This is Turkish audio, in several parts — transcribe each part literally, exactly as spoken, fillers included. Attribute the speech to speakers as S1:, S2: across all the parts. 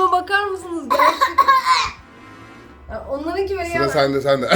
S1: Halime bakar mısınız gerçekten? Ya onlarınki böyle
S2: Sıra
S1: ya.
S2: sende sende.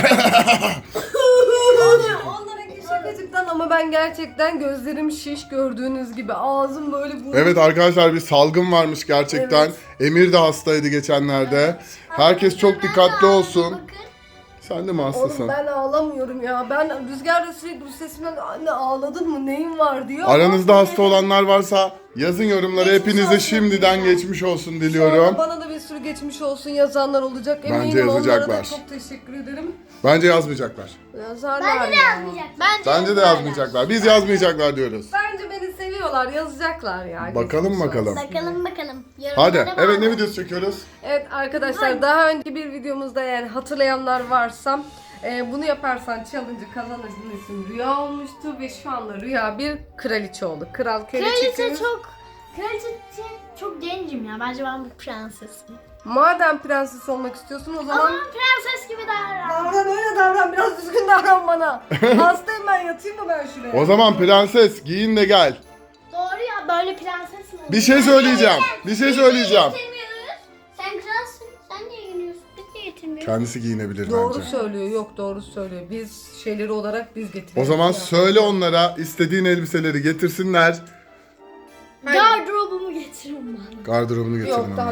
S1: Onlarınki şakacıktan ama ben gerçekten gözlerim şiş gördüğünüz gibi. Ağzım böyle burnum.
S2: Evet arkadaşlar bir salgın varmış gerçekten.
S1: Evet.
S2: Emir de hastaydı geçenlerde. Herkes çok dikkatli olsun. Sen de mi hastasın?
S1: Oğlum ben ağlamıyorum ya. Ben Rüzgar da sürekli bu sesimden anne ağladın mı neyin var diyor.
S2: Aranızda hasta olanlar varsa yazın yorumlara. Hepinize şimdiden geçmiş olsun
S1: Sonra
S2: diliyorum.
S1: bana da bir sürü geçmiş olsun yazanlar olacak.
S2: Bence
S1: Eminim onlara da
S2: yazacaklar.
S1: çok teşekkür ederim.
S2: Bence yazmayacaklar.
S1: Yazarlar
S3: Bence de
S1: ya.
S3: yazmayacak.
S2: Bence de yazmayacaklar. Biz yazmayacaklar diyoruz.
S1: Bence beni seviyorlar, yazacaklar ya.
S2: Bakalım
S1: Geçmiş
S2: bakalım.
S1: olsun.
S3: Bakalım bakalım.
S2: Hadi.
S3: Yorumlara
S2: Evet ne
S3: bak.
S2: videosu çekiyoruz?
S1: Evet arkadaşlar daha önce bir videomuzda yani hatırlayanlar varsa e, bunu yaparsan challenge'ı kazanırsın isim Rüya olmuştu ve şu anda Rüya bir kraliçe oldu. Kral
S3: Kraliçe
S1: kraliçe.
S3: çok... Kraliçe çok gencim ya. Bence ben bir prensesim.
S1: Madem prenses olmak istiyorsun o
S3: O
S1: zaman
S3: zaman prenses gibi davran.
S1: davran öyle davran biraz düzgün davran bana. Hastayım ben yatayım mı ben şuraya?
S2: O zaman prenses giyin de gel.
S3: Doğru ya böyle prenses mi olur?
S2: Bir şey söyleyeceğim. Bir şey söyleyeceğim.
S3: Getirmiyoruz. Sen kralsın. Sen niye geliyorsun? Biz niye getirmiyoruz?
S2: Kendisi giyinebilir
S1: Doğru
S2: bence.
S1: söylüyor yok doğru söylüyor. Biz şeyleri olarak biz getiriyoruz.
S2: O zaman
S1: ya.
S2: söyle onlara istediğin elbiseleri getirsinler.
S3: Gardırobumu getirin bana.
S2: Gardırobunu getirin
S1: Yok
S2: ona.
S1: tamam.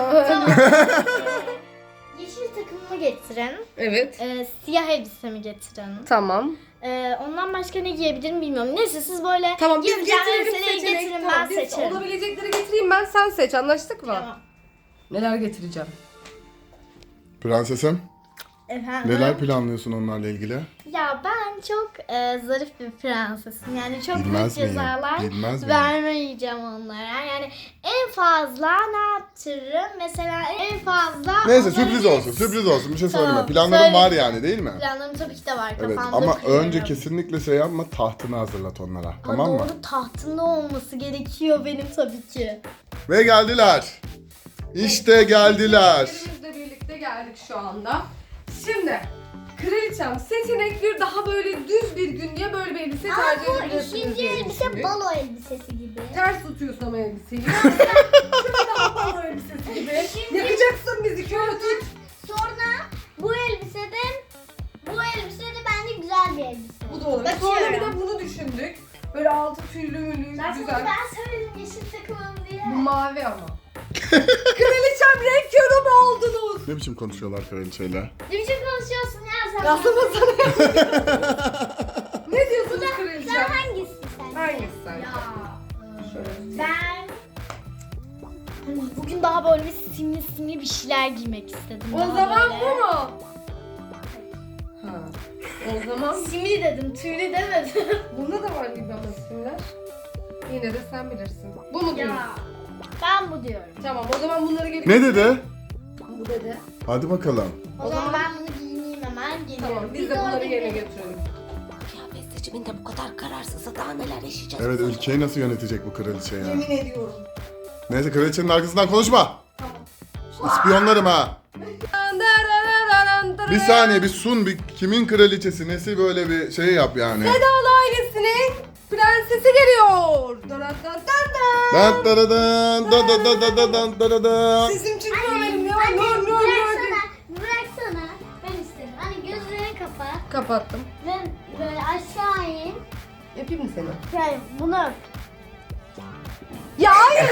S3: Yeşil takımımı getirin.
S1: Evet.
S3: Ee, siyah elbisemi getirin.
S1: Tamam.
S3: Ee, ondan başka ne giyebilirim bilmiyorum. Neyse siz böyle
S1: Tamam biz
S3: yazacağım
S1: getirelim
S3: elbiseleri
S1: seçenek.
S3: getirin
S1: Tamam,
S3: ben
S1: biz
S3: seçerim.
S1: olabilecekleri getireyim ben sen seç anlaştık mı?
S3: Tamam.
S1: Neler getireceğim?
S2: Prensesim
S3: Efendim?
S2: neler planlıyorsun onlarla ilgili?
S3: Ya ben çok e, zarif bir prensesim. Yani çok büyük
S2: Bilmez miyim?
S3: cezalar
S2: Bilmez miyim?
S3: vermeyeceğim onlara. Yani en fazla ne yaptırırım? Mesela en fazla...
S2: Neyse
S3: onları
S2: sürpriz
S3: bir-
S2: olsun sürpriz olsun bir şey
S3: Tamam,
S2: söyleme. Planların
S3: söyle.
S2: var yani değil mi?
S3: Planlarım tabii ki de var
S2: Evet
S3: kafamda
S2: ama
S3: kuruyorum.
S2: önce kesinlikle şey yapma tahtını hazırlat onlara.
S3: Ama
S2: Tamam mı?
S3: doğru tahtında olması gerekiyor benim tabii ki.
S2: Ve geldiler. İşte geldiler.
S1: Bizle birlikte geldik şu anda. Şimdi kraliçem seçenek bir daha böyle düz bir gün diye böyle bir elbise tercih
S3: Bu
S1: edebilirsiniz
S3: ikinci
S1: diye
S3: elbise
S1: düşündük.
S3: balo elbisesi gibi.
S1: Ters tutuyorsun ama elbiseyi. Şurada daha balo elbisesi gibi.
S3: Şimdi-
S1: Yakacaksın bizi köylü tut.
S3: Sonra bu elbiseden bu elbise de bence güzel bir elbise.
S1: Bu da olur. Sonra bir
S3: Bakıyorum.
S1: de bunu düşündük. Böyle altı tüylü mülü
S3: Zaten
S1: güzel.
S3: ben söyledim yeşil takımım diye.
S1: Bu mavi ama. Kraliçem renk yorumu oldunuz.
S2: Ne biçim konuşuyorlar kraliçeyle?
S3: Ne biçim konuşuyorsun ya sen?
S1: Aslında sana Ne diyorsunuz
S3: Sen
S1: kraliçem?
S3: hangisi sen?
S1: Hangisi sen?
S3: Ya.
S1: Şöyle.
S3: Ben bugün daha böyle bir simli simli bir şeyler giymek istedim.
S1: O
S3: Daha
S1: zaman
S3: böyle.
S1: bu mu? Ha. O zaman
S3: Simli dedim, tüylü demedim.
S1: bunda da var gibi ama isimler. Yine de sen bilirsin. Bu mu diyorsun?
S3: Ya. Ben bu diyorum.
S1: Tamam o zaman bunları gelip...
S2: Ne dedi?
S1: Bu dedi.
S2: Hadi bakalım.
S3: O,
S1: O
S3: zaman,
S1: zaman-
S3: ben bunu giyineyim hemen geliyorum.
S1: Tamam biz de bunları
S3: orada
S1: yerine
S3: gidelim.
S1: götürelim.
S4: Kıyafet seçiminde bu kadar kararsızsa daha neler yaşayacağız?
S2: Evet ülkeyi nasıl yönetecek bu kraliçe ya?
S1: Yemin ediyorum.
S2: Neyse kraliçenin arkasından konuşma. İspiyonlarım ha. Bir saniye bir sun bir kimin kraliçesi nesi böyle bir şey yap yani.
S1: Sedalı ailesinin prensesi geliyor. Dan dan dan dan.
S2: Dan da da dan da da da da da dan da da da.
S1: Sesim çıkıyor benim ya.
S3: Anne,
S1: Nör nör nör.
S3: bıraksana, bıraksana. Ben istedim. Hani gözlerini kapat
S1: Kapattım.
S3: ve böyle aşağı in.
S1: Yapayım mı seni?
S3: Yani bunu öp.
S1: Ya hayır.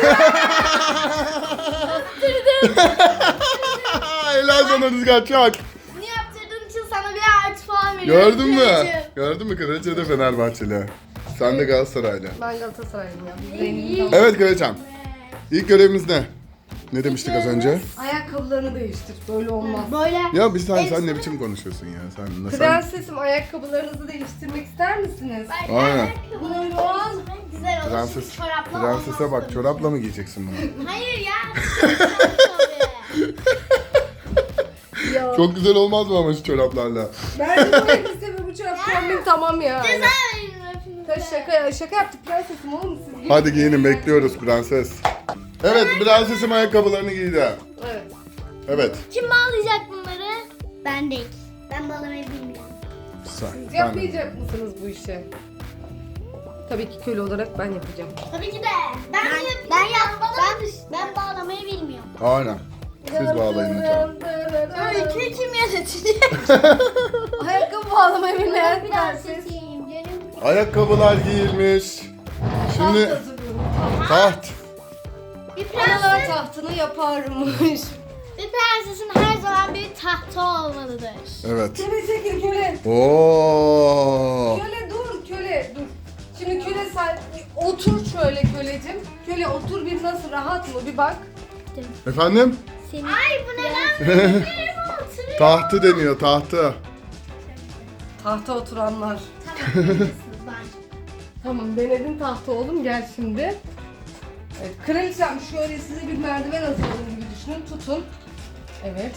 S2: Helal sana Rüzgar çak.
S3: Bunu yaptırdığın için sana bir artı puan veriyorum.
S2: Gördün mü?
S3: Kraliçem.
S2: Gördün mü kraliçe de Fenerbahçeli. Sen de Galatasaraylı.
S1: Ben Galatasaraylıyım ya. Biz zengin tamam.
S2: Evet kraliçem. İlk görevimiz ne? Ne demiştik az önce?
S1: Ayakkabılarını değiştir. Böyle olmaz.
S3: Böyle.
S2: Ya bir saniye sen ne
S3: Elbise-
S2: biçim konuşuyorsun ya? Sen nasıl?
S1: Prensesim ayakkabılarınızı değiştirmek ister misiniz?
S3: Bak,
S2: Aynen.
S3: ayakkabı
S1: Buyurun.
S3: güzel olur.
S2: Prenses,
S3: Çünkü çorapla
S2: prensese
S3: olmaz
S2: bak
S3: tabii.
S2: çorapla mı giyeceksin bunu?
S3: Hayır ya. Tabii.
S1: Ya.
S2: Çok güzel olmaz mı ama şu çoraplarla?
S1: Bence bu elbise ve bu çorap kombin tamam ya.
S3: Ceza verin hepinize.
S1: Ya şaka ya şaka yaptık prensesim oğlum siz.
S2: Hadi giyinin bekliyoruz prenses. Evet prensesim ayakkabılarını giydi.
S1: Evet.
S2: Evet.
S3: Kim bağlayacak bunları? Ben değil. Ben bağlamayı bilmiyorum.
S2: Sen,
S1: Siz
S2: sen-
S1: yapmayacak mısınız bu işi? Tabii ki köle olarak ben yapacağım.
S3: Tabii ki de. Ben ben, ben yap. Ben, ben bağlamayı bilmiyorum.
S2: Aynen. Siz bağlayın lütfen.
S3: Öyküyü kim yönetecek?
S1: Ayakkabı bağlamayı bilmeyen prenses.
S3: Prensesiyim canım.
S2: Ayakkabılar giyilmiş. Şimdi
S1: Taht hazırlıyorum.
S2: taht.
S3: Bir
S1: Analar
S3: prenses,
S1: tahtını yaparmış.
S3: bir prensesin her zaman bir tahtı olmalıdır.
S2: Evet.
S1: Köle çekil köle.
S2: Oo.
S1: Köle dur köle dur. Şimdi köle sen otur şöyle kölecim. Köle otur bir nasıl rahat mı bir bak.
S2: Efendim?
S3: Seni... Ay bu ne lan? Yerime oturuyor.
S2: Tahtı deniyor tahtı.
S1: Tahta oturanlar.
S3: Tamam, var.
S1: Tamam denedin tahta oğlum gel şimdi. Evet kraliçem şöyle size bir merdiven hazırladım gibi düşünün tutun. Evet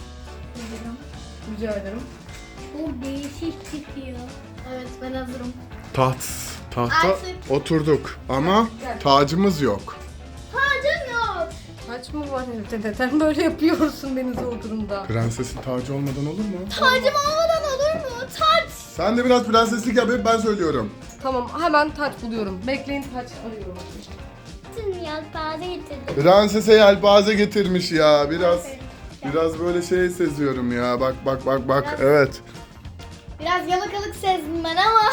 S1: rica ederim.
S3: Bu değişik çıkıyor. Evet ben hazırım.
S2: Taht. Tahta
S3: Artık-
S2: oturduk ama tacımız yok.
S3: Tacım yok.
S1: Kaç mı var evde neden böyle yapıyorsun beni zor durumda?
S2: Prensesin tacı olmadan olur mu?
S3: Tacım olmadan olur mu? Taç.
S2: Sen de biraz prenseslik yap, hep ben söylüyorum.
S1: Tamam hemen taç buluyorum. Bekleyin taç arıyorum.
S3: Yelpaze getirdim.
S2: Prensese yelpaze getirmiş ya. Biraz biraz böyle şey seziyorum ya. Bak bak bak bak. Evet.
S3: Biraz yalakalık sezdim ben ama.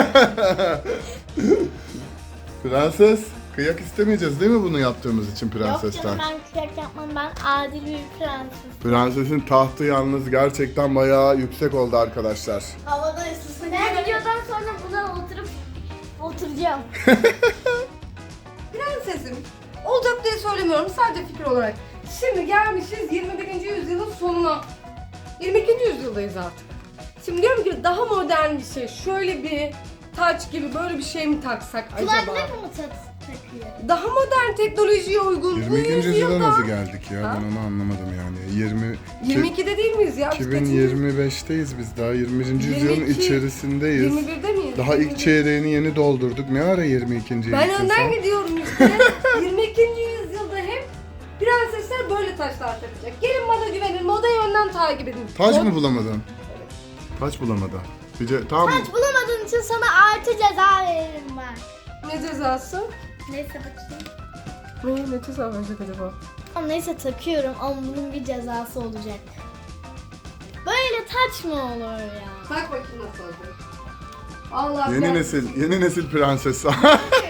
S2: Prenses, kıyak istemeyeceğiz değil mi bunu yaptığımız için
S3: Yok
S2: prensesten?
S3: canım ben kıyak yapmam, ben adil bir prenses.
S2: Prensesin tahtı yalnız gerçekten bayağı yüksek oldu arkadaşlar.
S3: Havada ısısın. Ben videodan sonra buna oturup oturacağım.
S1: Prensesim. Olacak diye söylemiyorum sadece fikir olarak. Şimdi gelmişiz yirmi birinci yüzyılın sonuna. yirmi ikinci yüzyıldayız artık. Şimdi diyorum ki daha modern bir şey. Şöyle bir taç gibi böyle bir şey mi taksak acaba?
S3: Kulaklık mı tat takıyor?
S1: Daha modern teknolojiye uygun. Bu
S2: yirmi ikinci yüzyıla
S1: yüzyılda-
S2: nasıl geldik ya?
S1: Ha?
S2: Ben onu anlamadım yani. yirmi
S1: yirmi ikide değil miyiz ya? Biz
S2: iki bin yirmi beşteyiz biz daha. yirmi birinci yüzyılın
S1: yirmi iki,
S2: içerisindeyiz.
S1: yirmi birde miyiz?
S2: Daha
S1: yirmi
S2: ilk
S1: bir.
S2: çeyreğini yeni doldurduk. Ne ara yirmi ikinci
S1: Ben
S2: gittin
S1: önden
S2: sen?
S1: gidiyorum işte. yirmi ikinci yüzyılda hep prensesler böyle taşlar takacak. Gelin moda güvenin, modayı önden takip edin.
S2: Taç
S1: Mod-
S2: mı bulamadın? Taç bulamadı. Bir ce- tamam.
S3: Taç bulamadığın için sana artı ceza veririm ben.
S1: Ne cezası?
S3: Neyse bakayım.
S1: Ne, ne ceza verecek acaba?
S3: Ama neyse takıyorum ama bunun bir cezası olacak. Böyle taç mı olur ya?
S1: Tak bakayım nasıl olacak. Allah
S2: Yeni
S1: ben-
S2: nesil, yeni nesil prenses.
S1: Şu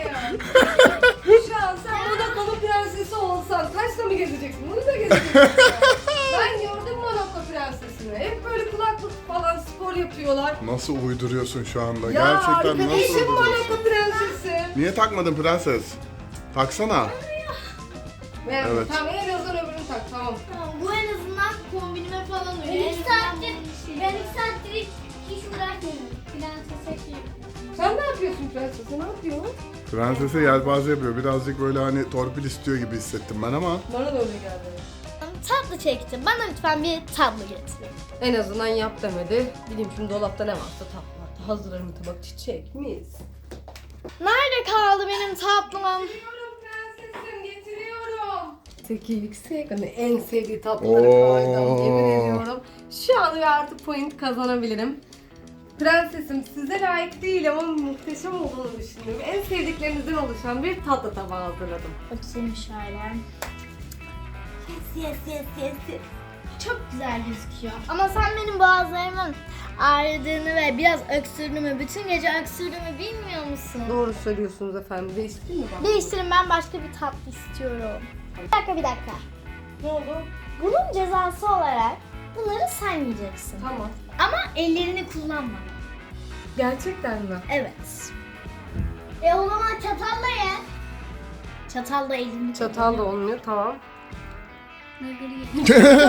S1: an sen Monaco'nun prensesi olsan taşla mı gezeceksin? Bunu da gezeceksin. Ben gördüm Monaco prensesini. Hep böyle kulaklık falan spor yapıyorlar.
S2: Nasıl uyduruyorsun şu anda?
S1: Ya
S2: Gerçekten nasıl
S1: arkadaşım
S2: uyduruyorsun?
S1: Monaco prensesi.
S2: Niye takmadın prenses? Taksana.
S1: Evet.
S2: Evet.
S1: Tamam en azından öbürünü tak tamam.
S3: Tamam, bu en azından kombinime falan uyuyor. Ben iki saattir, ben iki saattir hiç, hiç uğraşmıyorum. Prensese şey.
S1: Sen ne yapıyorsun prensesi? Ne yapıyorsun?
S2: Prensese yelpaze yapıyor. Birazcık böyle hani torpil istiyor gibi hissettim ben ama.
S1: Bana da öyle geldi.
S3: Tatlı çektim. Bana lütfen bir tablo getirin.
S1: En azından yap demedi. Bileyim şimdi dolapta ne varsa tatlı vardı. Hazırlarım tabak çiçek mis.
S3: Nerede kaldı benim tatlım?
S1: Getiriyorum prensesim getiriyorum. Teki yüksek hani en sevdiği tatlıları
S2: Oo.
S1: koydum yemin ediyorum. Şu an ve artık point kazanabilirim. Prensesim size layık değil ama muhteşem olduğunu düşünüyorum. En sevdiklerinizden oluşan bir tatlı tabağı hazırladım.
S3: Bakayım şöyle. Yes yes yes yes yes. Çok güzel gözüküyor. Ama sen benim boğazlarımın ağrıdığını ve biraz öksürdüğümü, bütün gece öksürdüğümü bilmiyor musun?
S1: Doğru söylüyorsunuz efendim. Değiştireyim mi ben?
S3: Değiştirin, ben başka bir tatlı istiyorum. Bir dakika bir dakika.
S1: Ne oldu?
S3: Bunun cezası olarak bunları sen yiyeceksin.
S1: Tamam.
S3: Ama ellerini kullanma.
S1: Gerçekten mi?
S3: Evet. E o zaman çatalla ye. Çatalla elini
S1: Çatal da olmuyor tamam.
S3: ben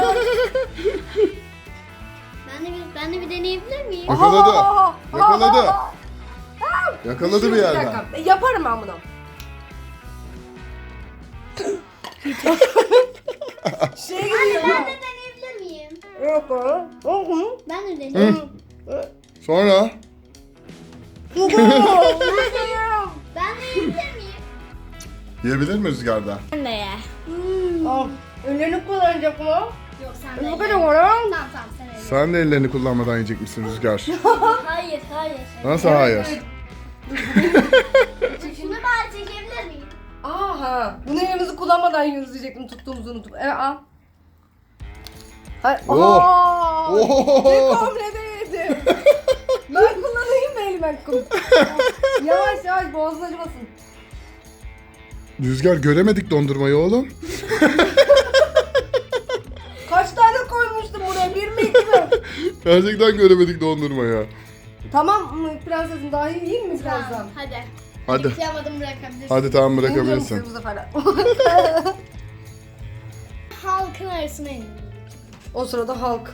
S3: de bir ben de bir deneyebilir miyim?
S2: Yakaladı.
S1: Aa!
S2: Yakaladı.
S1: Aa!
S2: Yakaladı bir
S1: Şimdi
S2: yerden.
S1: dakika. E, Yaparım ben bunu. şey gidiyor.
S3: Ben de deneyebilir miyim?
S1: Yok o. Hı
S3: Ben de deneyeyim.
S2: Sonra
S3: Ben de yiyebilir miyim?
S2: yiyebilir mi rüzgarda?
S3: Ben de ye.
S1: Al. Ellerini kullanacak mı?
S3: Yok sen de
S1: Bu
S3: ye.
S1: kadar var ha?
S3: Tamam tamam sen ye.
S2: Sen de ellerini kullanmadan yiyecek misin Rüzgar?
S3: Hayır hayır.
S2: Nasıl hayır?
S3: Şunu bari çekebilir miyim?
S1: Aha. Bunu elimizi kullanmadan yiyoruz diyecektim tuttuğumuzu unutup. Evet al. Hayır.
S2: Oh.
S1: Aa!
S2: Oho.
S1: Bir komple yedim. Ben kullanayım mı elime kum? Yavaş yavaş boğazın acımasın.
S2: Rüzgar göremedik dondurmayı oğlum.
S1: Kaç tane koymuştum buraya? Bir mi iki mi?
S2: Gerçekten göremedik dondurmayı.
S1: Tamam mı prensesim, daha iyi yiyeyim mi birazdan?
S3: Tamam, hadi.
S2: Hadi.
S3: Yıkayamadım, bırakabilirsin.
S2: Hadi tamam
S1: İndiyorum
S2: bırakabilirsin.
S1: sizi bu sefer de.
S3: Halkın arasına indim.
S1: O sırada halk.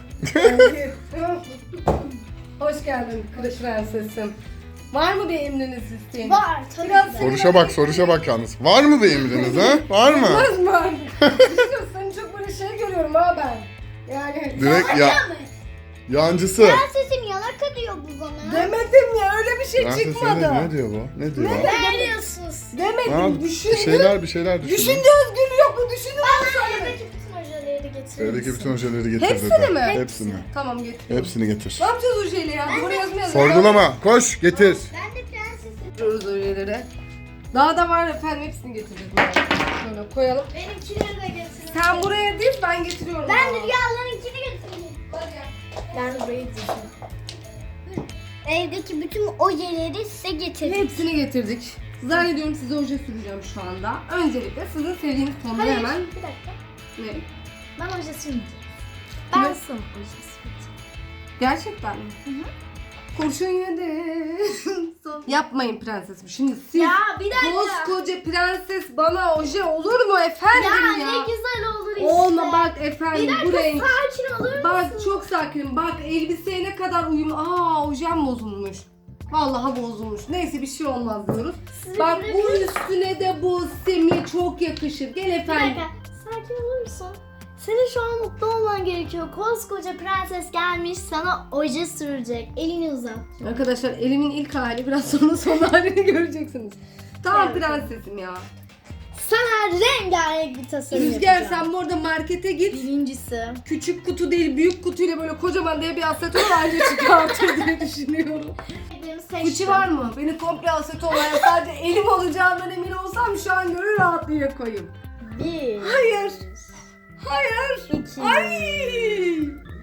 S1: Hoş geldin kılıç prensesim. Var mı bir emriniz isteğiniz?
S3: Var tabii
S1: Biraz
S3: ki de.
S2: Soruşa bak soruşa bak yalnız. Var mı bir emriniz ha? Var mı?
S1: Var mı? Var. Düşünüyorum, seni çok böyle şey görüyorum ha ben. Yani
S2: Direkt ya yancısı.
S3: Prensesim yalaka diyor bu bana.
S1: demedim ya, öyle bir şey
S2: Prenses
S1: çıkmadı.
S2: ne, ne diyor bu? Ne diyor?
S3: Ne diyorsunuz?
S1: Demedim,
S2: Ha,
S1: düşündüm.
S2: bir şeyler bir şeyler düşündüm.
S1: Düşünce özgürlüğü yok mu? Düşündüm ama söylemedim.
S3: Evdeki bütün ojeleri getirir
S2: Evdeki
S3: misin?
S2: bütün ojeleri getir
S1: Hepsini
S2: dedi.
S1: mi?
S2: Hepsini.
S1: Tamam getir.
S2: Hepsini getir.
S1: Ne yapacağız o şeyle ya? Buraya yazmayalım.
S2: Sorgulama. Koş getir.
S3: Ben de prensesim.
S1: Getiriyoruz öğeleri. Daha da var efendim, hepsini getireceğiz. Şöyle koyalım.
S3: Benimkileri de getirin.
S1: Sen buraya değil, ben getiriyorum.
S3: Ben
S1: ama.
S3: de rüyalarınkini getireyim.
S1: Hadi gel.
S3: Ben burayı diyeceğim. Evdeki bütün ojeleri size getirdim.
S1: Hepsini getirdik. Zannediyorum size oje süreceğim şu anda. Öncelikle sizin sevdiğiniz tonları
S3: Hayır,
S1: hemen...
S3: bir dakika.
S1: Ne?
S3: Ben oje sürmeyeceğim. Ben
S1: Kime?
S3: sana oje süreceğim.
S1: Gerçekten mi?
S3: Hı hı.
S1: Kurşun yedi. Yapmayın prensesim. Şimdi siz
S3: Ya bir dakika.
S1: koskoca prenses bana oje olur mu efendim
S3: Ya,
S1: ya?
S3: ne güzel olur işte.
S1: Olma bak
S3: Bir
S1: efendim,
S3: dakika
S1: bu renk.
S3: sakin olur
S1: Bak
S3: musun?
S1: çok sakinim. Bak elbiseye ne kadar uyumlu. Aa ojem bozulmuş. Vallahi bozulmuş. Neyse bir şey olmaz diyoruz.
S3: Sizi
S1: Bak bu
S3: bırakın.
S1: üstüne de bu semi çok yakışır. Gel
S3: Bir
S1: efendim.
S3: dakika sakin olur musun? Senin şu an mutlu olman gerekiyor. Koskoca prenses gelmiş sana oje sürecek. Elini uzat.
S1: Arkadaşlar elimin ilk hali, biraz sonra son halini göreceksiniz. Tamam
S3: Evet.
S1: prensesim ya.
S3: Sana rengarenk bir tasarım
S1: Rüzgar
S3: yapacağım.
S1: sen bu arada markete git.
S3: Birincisi.
S1: Küçük kutu değil, büyük kutuyla böyle kocaman diye bir aseton ayrıca çıkartır diye düşünüyorum.
S3: Benim
S1: Fıçı var mı? Beni komple asetonla sadece elim olacağından emin olsam şu an gönül rahatlığıyla koyayım.
S3: Bir.
S1: Hayır. Hayır.
S3: İki.
S1: Ay.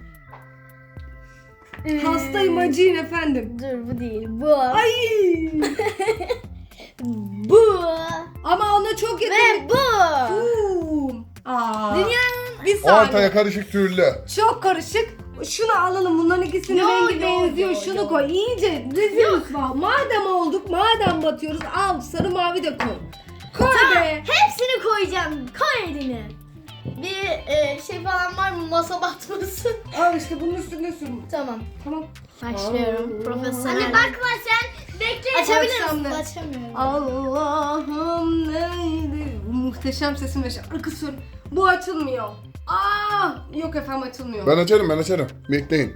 S3: Üç.
S1: Hastayım, acıyın efendim.
S3: Dur bu değil. Bu.
S1: Ay.
S3: Bu.
S1: Ama ona çok yakın.
S3: Ve bu.
S1: Boom. Aa.
S3: Dünyanın
S1: Bir saniye.
S2: Ortaya karışık türlü.
S1: Çok karışık. Şunu alalım. Bunların ikisinin
S3: Yo,
S1: rengi
S3: yo,
S1: benziyor.
S3: yo,
S1: Şunu
S3: yo.
S1: koy. İyice rezil rüsva. Madem olduk, madem batıyoruz, al sarı mavi de koy. Koy be.
S3: hepsini koyacağım. Koy elini. Bir e, şey falan var mı? Masa batmasın.
S1: Al işte bunun üstüne sür.
S3: Tamam.
S1: Tamam.
S3: Başlıyorum.
S1: Aa.
S3: Profesyonel. Hani bakma sen. Bekle. Açabilir
S1: Açsam
S3: misin?
S1: ne?
S3: Açamıyorum.
S1: Allah'ım neydi? Bu muhteşem sesim ve şarkı söyle. Bu açılmıyor. Aa, yok efendim açılmıyor.
S2: Ben açarım ben açarım. Bekleyin.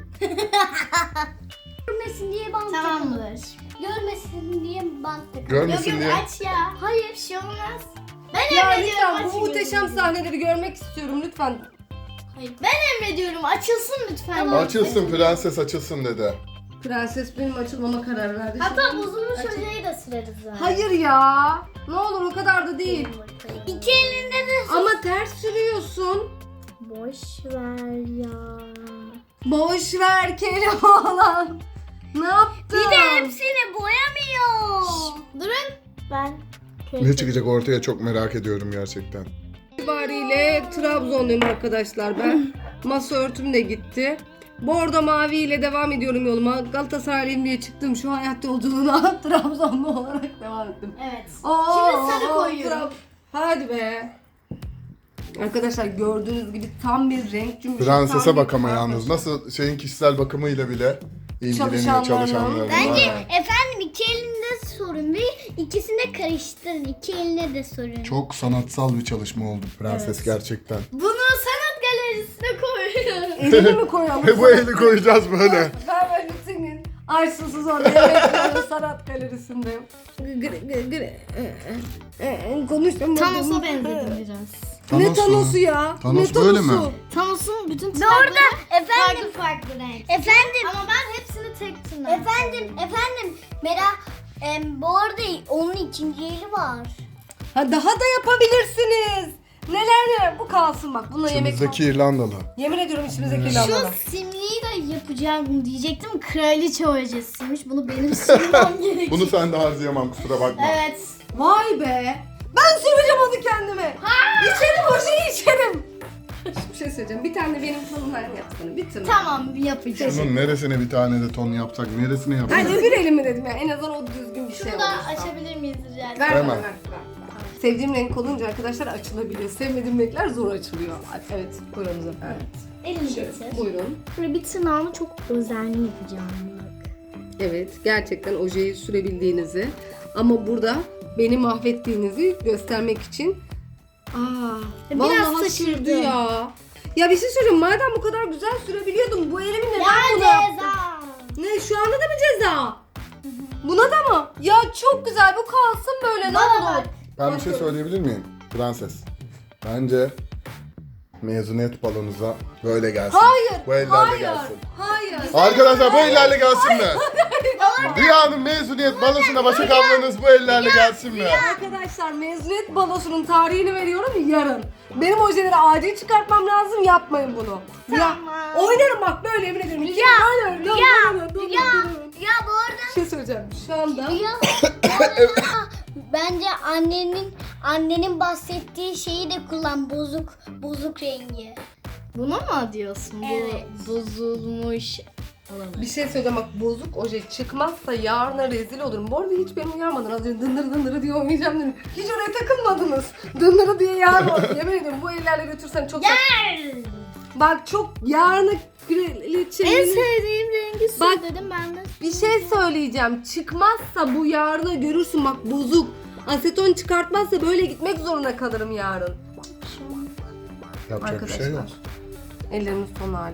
S3: Görmesin diye bant Tamamdır. Görmesin diye bant takın.
S2: Görmesin
S3: yok,
S2: diye.
S3: Yok aç ya. Hayır bir şey olmaz. Ben
S1: Ya
S3: emrediyorum
S1: lütfen bu
S3: açın
S1: muhteşem
S3: gözünüzü.
S1: sahneleri görmek istiyorum lütfen.
S3: Hayır ben emrediyorum açılsın lütfen.
S2: Açılsın prenses açılsın dedi.
S1: Prenses benim açılmama karar verdi.
S3: Hatta bozulmuş
S1: Açın.
S3: ojeyi de süreriz ha.
S1: Hayır ya. Ne olur o kadar da değil.
S3: İki elinde de
S1: Ama ters sürüyorsun.
S3: boş ver ya.
S1: Boş ver Keloğlan. Ne yaptın?
S3: Bir de hepsini boyamıyor. Durun. Ben
S2: Ne çıkacak ortaya çok merak ediyorum gerçekten.
S1: itibariyle Trabzonluyum arkadaşlar ben. Masa örtüm de gitti. Bordo mavi ile devam ediyorum yoluma. Galatasaraylıyım diye çıktım. Şu hayat yolculuğuna Trabzonlu olarak devam ettim.
S3: Evet.
S1: Oo,
S3: Şimdi sarı koyuyorum.
S1: Trab- Hadi be. Arkadaşlar gördüğünüz gibi tam bir renk cümbüşü.
S2: Prensese
S1: tam bir
S2: bak ama
S1: kıyafet.
S2: yalnız. Nasıl şeyin kişisel bakımıyla bile ilgileniyor
S1: Çalışanlarla.
S2: çalışanlarla.
S3: Bence
S2: Aynen.
S3: efendim iki elinde sorun değil. İkisini de karıştırın. İki eline de sorun.
S2: Çok sanatsal bir çalışma oldu prenses gerçekten.
S3: Bunu sanat galerisine koyuyorum.
S1: Elini mi koyalım?
S2: Ve bu eli koyacağız böyle.
S1: Ben böyle senin ay susuz orada yemek yiyorum sanat galerisinde. Gre, gre, gre. Konuşamadım.
S3: Thanos'a benzedim biraz.
S1: Ne
S2: Thanos mu?
S1: Thanos'u ya?
S2: Thanos
S1: ne
S2: böyle mi?
S1: Thanos'u?
S3: Thanos'un bütün tırnakları efendim, farklı farklı renk. Efendim. Ama ben hepsini tek tırnak. Efendim, efendim. Merak, em, bu arada onun ikinci eli var.
S1: Ha daha da yapabilirsiniz. Neler neler. Bu kalsın bak. Bununla yemek
S2: İçimizdeki İrlandalı.
S1: Yemin ediyorum içimizdeki İrlandalı.
S3: Şu simliği de yapacağım diyecektim. Kraliçe ojesiymiş. Bunu benim sürmem gerekiyor.
S2: Bunu sen de harcayamam kusura bakma.
S3: Evet.
S1: Vay be. Ben süreceğim onu kendime. İçerim o şeyi içerim. Bir şey söyleyeceğim. Bir tane benim tonumdan yapsana. Bir tane.
S3: Tamam yapacağım.
S2: Bunun neresine bir tane de ton yapsak, neresine yapsak?
S1: Ben öbür elimi dedim ya. En azından o düzgün bir şey
S3: Şunu da
S1: olursa.
S3: açabilir miyiz rica ederim?
S1: Ver
S2: Hemen.
S1: bana ver. ver. Sevdiğim renk olunca arkadaşlar açılabiliyor. Sevmediğim renkler zor açılıyor. Evet, buyurun Zafer.
S3: Elini getir.
S1: Buyurun.
S3: Böyle bir tırnağımı çok özenli yapacağım. Bak.
S1: Evet, gerçekten ojeyi sürebildiğinizi ama burada beni mahvettiğinizi göstermek için Aa,
S3: Biraz
S1: vallahi
S3: sıçradı.
S1: sürdü ya. Ya bir şey söyleyeceğim. Madem bu kadar güzel sürebiliyordum, bu elimi neden
S3: Ya
S1: buna yaptın?
S3: ceza.
S1: Ne, şu anda da mı ceza? Buna da mı? Ya çok güzel, bu kalsın böyle. Ne
S3: Bana
S1: olur?
S3: bak.
S2: Ben bir şey söyleyebilir miyim? Prenses. Bence mezuniyet balonuza böyle gelsin.
S1: Hayır,
S2: Bu ellerle
S1: hayır,
S2: gelsin.
S1: hayır.
S2: Arkadaşlar bu ellerle gelsin mi? Rüya'nın mezuniyet balosuna Başak ablanız bu ellerle gelsin mi?
S1: Arkadaşlar mezuniyet balosunun tarihini veriyorum yarın. Benim ojeleri acil çıkartmam lazım, yapmayın bunu. Ya,
S3: Tamam.
S1: oynarım bak böyle yemin ederim. Ya, hayır,
S3: Ya,
S1: ya,
S3: ya, ya bu arada
S1: Bir şey söyleyeceğim. Şu anda
S3: ya, bu arada bence annenin annenin bahsettiği şeyi de kullan, bozuk bozuk rengi. Bunu mu diyorsun?
S1: Evet.
S3: Bu bozulmuş.
S1: bir şey söyleyeceğim bak, bozuk oje çıkmazsa yarına rezil olurum. Bu arada hiç beni uyarmadın. Az önce dındırı dındırı diye oynayacağım dedim. Hiç oraya takılmadınız. Dındırı diye yarın. Yemin ederim bu ellerle götürsen çok saçma. Bak çok yarını kraliçenin...
S3: En sevdiğim rengi su
S1: Bak,
S3: dedim ben de.
S1: Bir şey söyleyeceğim. Çıkmazsa bu yarını görürsün bak, bozuk. Aseton çıkartmazsa böyle gitmek zorunda kalırım yarın.
S2: Yapacak bir
S1: Arkadaşlar.
S2: şey yok.
S1: Ellerimin son hali.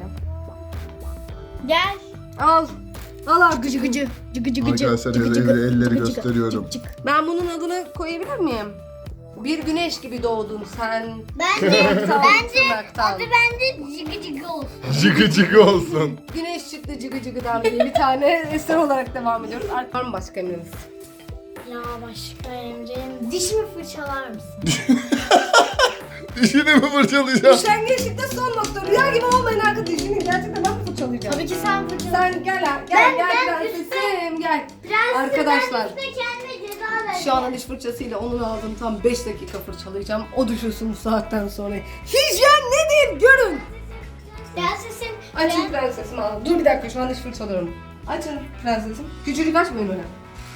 S3: Gel.
S1: Al. Al artık.
S3: Gıcı gıcı. Cıgı cıgı cıgı.
S2: Arkadaşlar
S3: Cıgı
S2: el-
S3: cıgı.
S2: elleri
S3: Cıgı cıgı.
S2: gösteriyorum.
S3: Cık cık.
S1: Ben bunun adını koyabilir miyim? Bir güneş gibi doğdun sen.
S3: Bence
S1: Tırnaktan,
S3: bence
S1: tırnaktan.
S3: adı bence cıgı cıgı olsun.
S2: Cıgı cıgı olsun.
S1: Güneş çıktı cıgı cıgıdan diye bir tane eser olarak devam ediyoruz. Var mı başka emriniz?
S3: Ya başka Emre'm, dişimi fırçalar mısın?
S2: Dişini mi fırçalayacağım?
S1: Üşengeçlikte son nokta. Rüya gibi olmayın arkadaşım. Gerçekten ben mi fırçalayacağım?
S3: Tabii ki sen fırçala.
S1: Sen gel ha, gel
S3: Ben-
S1: gel
S3: ben
S1: prensesim gel.
S3: Prensesim,
S1: Arkadaşlar,
S3: ben işte kendime ceza vereceğim.
S1: Şu anda diş fırçasıyla onun ağzını tam beş dakika fırçalayacağım. O düşünsün bu saatten sonra. Hijyen nedir görün.
S3: Prensesim.
S1: Açın
S3: ben-
S1: prensesim ağzını. Dur bir dakika, şu an diş fırçalıyorum. Açın prensesim. Küçücük açmayın öyle.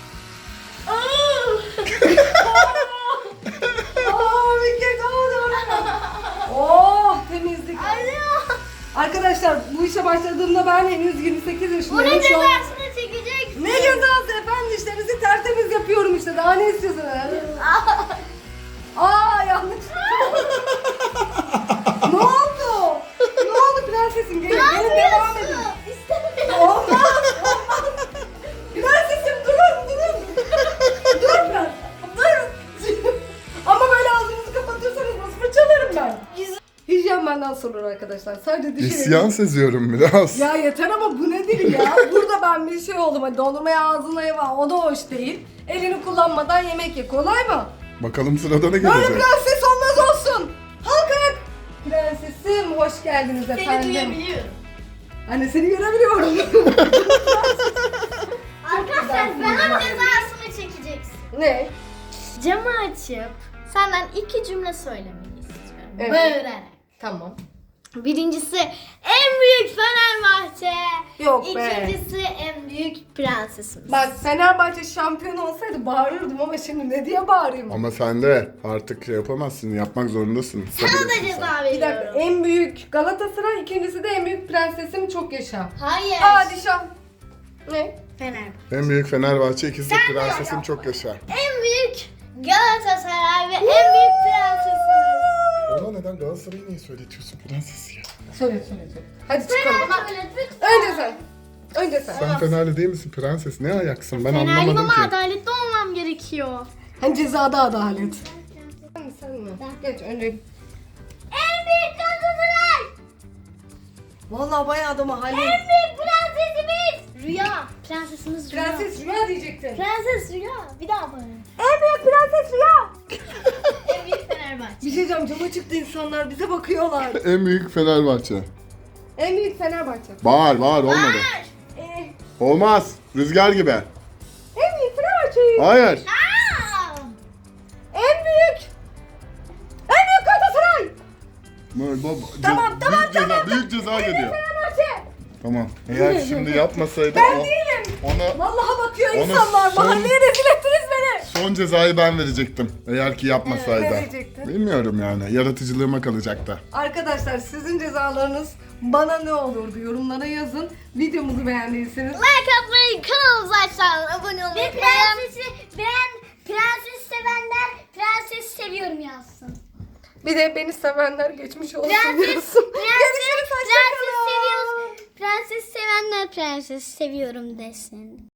S1: Aa, bir kez oldu. Oh, temizlik. Arkadaşlar bu işe başladığımda ben henüz yirmi sekiz
S3: Bu ne
S1: yaşındayım. Şu an-
S3: cezasını çekeceksin?
S1: Ne cezası efendim, işlerinizi tertemiz yapıyorum işte, daha ne istiyorsunuz? Aa yanlış. Ne oldu? Ne oldu prensesim? Gelin, gelin devam edin.
S3: İstemiyorum.
S1: Olmaz, olmaz. Prensesim durun, durun. Dur ben, durun. Ama böyle ağzınızı kapatıyorsanız nasıl fırçalarım ben? Hijyen benden sorulur arkadaşlar. Sadece dişi
S2: İsyan seziyorum biraz.
S1: ya yeter ama bu nedir ya? Burada ben bir şey oldum. Hani dondurmaya ağzına yeva, o da hoş değil. Elini kullanmadan yemek ye. Kolay mı?
S2: Bakalım sırada ne
S1: Böyle
S2: gelecek?
S1: prenses olmaz olsun. Halk ayak. Prensesim hoş geldiniz
S3: Seni
S1: efendim.
S3: duyabiliyorum.
S1: Anne seni görebiliyorum.
S3: Arkadaşlar bana cezasını çekeceksin.
S1: Ne?
S3: Camı açıp senden iki cümle söylemeyi istiyorum.
S1: Evet.
S3: Bağırarak.
S1: Tamam.
S3: Birincisi en büyük Fenerbahçe.
S1: Yok be.
S3: İkincisi en büyük prensesimiz.
S1: Bak Fenerbahçe şampiyon olsaydı bağırırdım ama şimdi ne diye bağırayım?
S2: Ama sen de artık şey yapamazsın, yapmak zorundasın.
S3: Sana
S2: Sabır
S3: da
S2: etsin sen.
S3: ceza
S1: Bir dakika,
S3: veriyorum.
S1: en büyük Galatasaray, ikincisi de en büyük prensesim çok yaşa.
S3: Hayır.
S1: Padişah. Ne?
S3: Fenerbahçe.
S2: En büyük Fenerbahçe, ikisi de prensesim çok yaşa.
S3: En büyük Galatasaray ve en büyük prensesimiz.
S2: Ona neden Galatasaray'ı niye söyletiyorsun prensesi ya?
S1: Söyle söyle söyle. Hadi çıkalım.
S3: Fenerbahçe lütfen.
S1: Önce sen. Önce sen.
S2: Sen Fenerli değil misin prenses? Ne ayaksın? Ben
S3: Fenerliyim
S2: anlamadım
S3: ama
S2: ki.
S3: adaletli olmam gerekiyor.
S1: Hani cezada adalet. Sen mi sen mi? Geç önce.
S3: En büyük Galatasaray.
S1: Vallahi bayağı adamı hallet.
S3: En büyük prensesimiz. Rüya. Prensesimiz Rüya.
S1: Prenses Rüya diyecektin.
S3: Prenses Rüya. Bir daha bana.
S1: En büyük prenses Rüya.
S3: En büyük Fenerbahçe.
S1: Bir şey diyeceğim, cama çıktı insanlar bize bakıyorlar.
S2: En büyük Fenerbahçe.
S1: En büyük Fenerbahçe.
S2: Bağır bağır olmadı.
S1: Ee,
S2: Olmaz. Rüzgar gibi.
S1: en büyük Fenerbahçe'yi.
S2: Hayır.
S3: Aa!
S1: En büyük. En büyük Galatasaray.
S2: Böyle baba-
S1: Tamam,
S2: ce-
S1: tamam,
S2: büyük ceza,
S1: tamam.
S2: büyük ceza geliyor.
S1: Fenerbahçe.
S2: Tamam. Eğer şimdi yapmasaydı
S1: Ben
S2: o-
S1: değilim.
S2: ona
S1: Vallahi bakıyor
S2: Onu
S1: insanlar.
S2: son-
S1: Mahalleye rezil ettiniz beni.
S2: son cezayı ben verecektim. Eğer ki yapmasaydı.
S1: Ne verecektin?
S2: Bilmiyorum yani. Yaratıcılığıma kalacaktı.
S1: Arkadaşlar sizin cezalarınız bana ne olurdu? Yorumlara yazın. Videomuzu beğendiyseniz.
S3: Like atmayı, kanalımıza aşağıdan abone olmayı. Ve prensesi, ben prenses sevenler prenses seviyorum yazsın.
S1: Bir de beni sevenler geçmiş olsun
S3: Prenses,
S1: diyorsun.
S3: prenses,
S1: Görüşürüz, hoşça
S3: prenses
S1: kalın.
S3: seviyoruz. Prenses sevenler prenses seviyorum desin.